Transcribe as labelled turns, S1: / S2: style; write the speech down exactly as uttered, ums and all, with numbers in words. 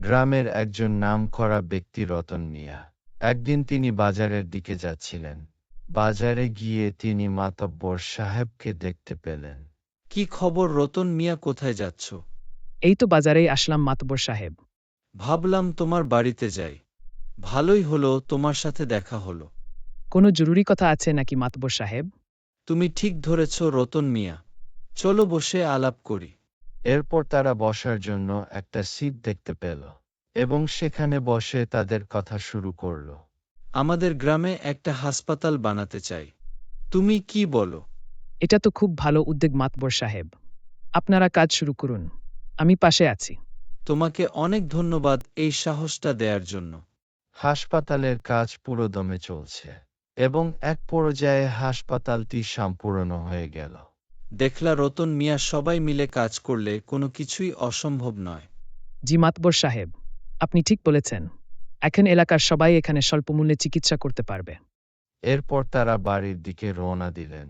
S1: গ্রামের একজন নামকরা ব্যক্তি রতন মিয়া। একদিন তিনি বাজারের দিকে যাচ্ছিলেন। বাজারে গিয়ে তিনি মাতব্বর সাহেবকে দেখতে পেলেন।
S2: কি খবর রতন মিয়া, কোথায় যাচ্ছ?
S3: এই তো বাজারেই আসলাম মাতব্বর সাহেব।
S2: ভাবলাম তোমার বাড়িতে যাই। ভালোই হলো তোমার সাথে দেখা হলো।
S3: কোনো জরুরি কথা আছে নাকি মাতব্বর সাহেব?
S2: তুমি ঠিক ধরেছ রতন মিয়া, চলো বসে আলাপ করি।
S1: এরপর তারা বসার জন্য একটা সিট দেখতে পেল এবং সেখানে বসে তাদের কথা শুরু করল।
S2: আমাদের গ্রামে একটা হাসপাতাল বানাতে চাই, তুমি কি বলো?
S3: এটা তো খুব ভালো উদ্যোগ মাতব্বর সাহেব। আপনারা কাজ শুরু করুন, আমি পাশে আছি।
S2: তোমাকে অনেক ধন্যবাদ এই সাহসটা দেওয়ার জন্য।
S1: হাসপাতালের কাজ পুরোদমে চলছে এবং এক পর্যায়ে হাসপাতালটি সম্পূর্ণ হয়ে গেল।
S2: দেখলা রতন মিয়া, সবাই মিলে কাজ করলে কোনো কিছুই অসম্ভব নয়।
S3: জি মাতব্বর সাহেব, আপনি ঠিক বলেছেন। এখন এলাকার সবাই এখানে স্বল্পমূল্যে চিকিৎসা করতে পারবে।
S1: এরপর তারা বাড়ির দিকে রওনা দিলেন।